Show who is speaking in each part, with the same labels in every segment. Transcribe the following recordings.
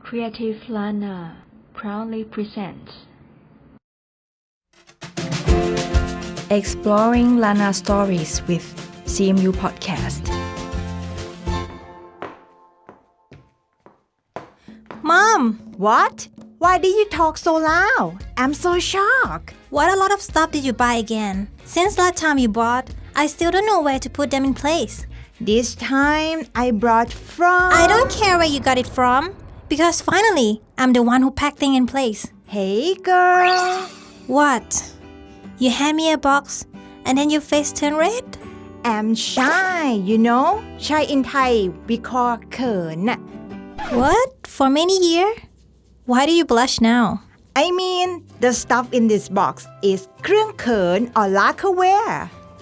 Speaker 1: Creative Lana proudly presents Exploring Lana Stories with CMU Podcast.
Speaker 2: Mom!
Speaker 3: What? Why did you talk so loud? I'm so shocked.
Speaker 2: What a lot of stuff did you buy again? Since last time you bought, I still don't know where to put them in place.
Speaker 3: This time I brought from...
Speaker 2: I don't care where you got it from, because finally, I'm the one who packed things in place.
Speaker 3: Hey girl.
Speaker 2: What? You hand me a box, and then your face turned red?
Speaker 3: I'm shy, you know? Shy in Thai we call เขิน
Speaker 2: What? For many years? Why do you blush now?
Speaker 3: I mean, the stuff in this box is เครื่องเขิน or lacquerware.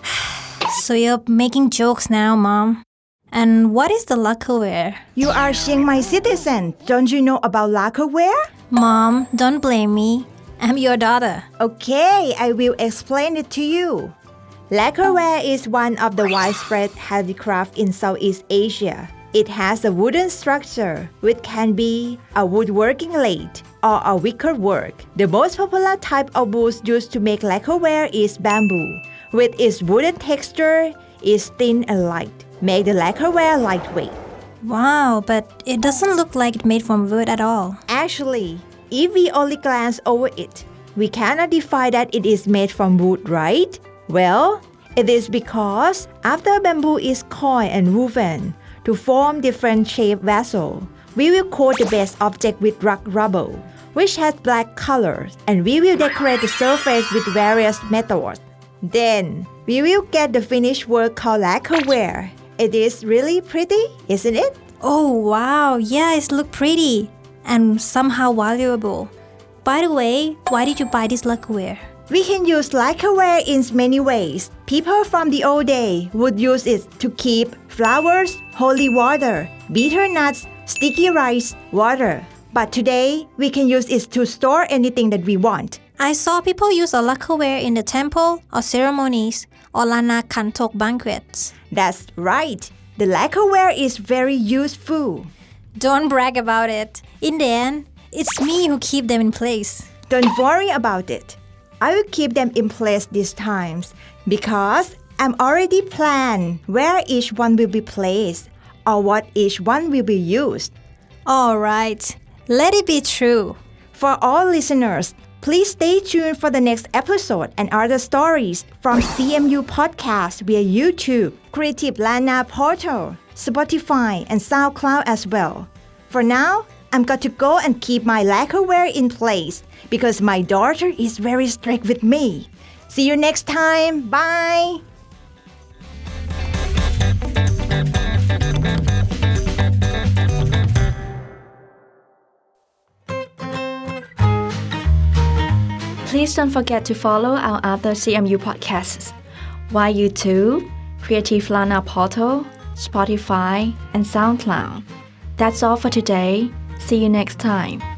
Speaker 2: So you're making jokes now, Mom. And what is the lacquerware?
Speaker 3: You are Chiang Mai citizen. Don't you know about lacquerware?
Speaker 2: Mom, don't blame me. I'm your daughter.
Speaker 3: Okay, I will explain it to you. Lacquerware is one of the widespread handicraft in Southeast Asia. It has a wooden structure, which can be a woodworking lathe or a wickerwork. The most popular type of wood used to make lacquerware is bamboo. With its wooden texture, is thin and light, make the lacquerware lightweight.
Speaker 2: Wow, but it doesn't look like it's made from wood at all.
Speaker 3: Actually, if we only glance over it, we cannot define that it is made from wood, right? Well, it is because after bamboo is coiled and woven to form different shaped vessels, we will coat the base object with rock rubble, which has black colors, and we will decorate the surface with various methods. Then, we will get the finished work called lacquerware. It is really pretty, isn't it?
Speaker 2: Oh wow, yeah, it looks pretty and somehow valuable. By the way, why did you buy this lacquerware?
Speaker 3: We can use lacquerware in many ways. People from the old day would use it to keep flowers, holy water, bitter nuts, sticky rice, water. But today, we can use it to store anything that we want.
Speaker 2: I saw people use a lacquerware in the temple or ceremonies or Lana Kantok banquets.
Speaker 3: That's right. The lacquerware is very useful.
Speaker 2: Don't brag about it. In the end, it's me who keep them in place.
Speaker 3: Don't worry about it. I will keep them in place this time because I'm already planned where each one will be placed or what each one will be used.
Speaker 2: Alright, let it be true.
Speaker 3: For all listeners, please stay tuned for the next episode and other stories from CMU Podcast via YouTube, Creative Lana Portal, Spotify, and SoundCloud as well. For now, I'm got to go and keep my lacquerware in place because my daughter is very strict with me. See you next time. Bye!
Speaker 1: Please don't forget to follow our other CMU podcasts via YouTube, Creative Lana Portal, Spotify, and SoundCloud. That's all for today. See you next time.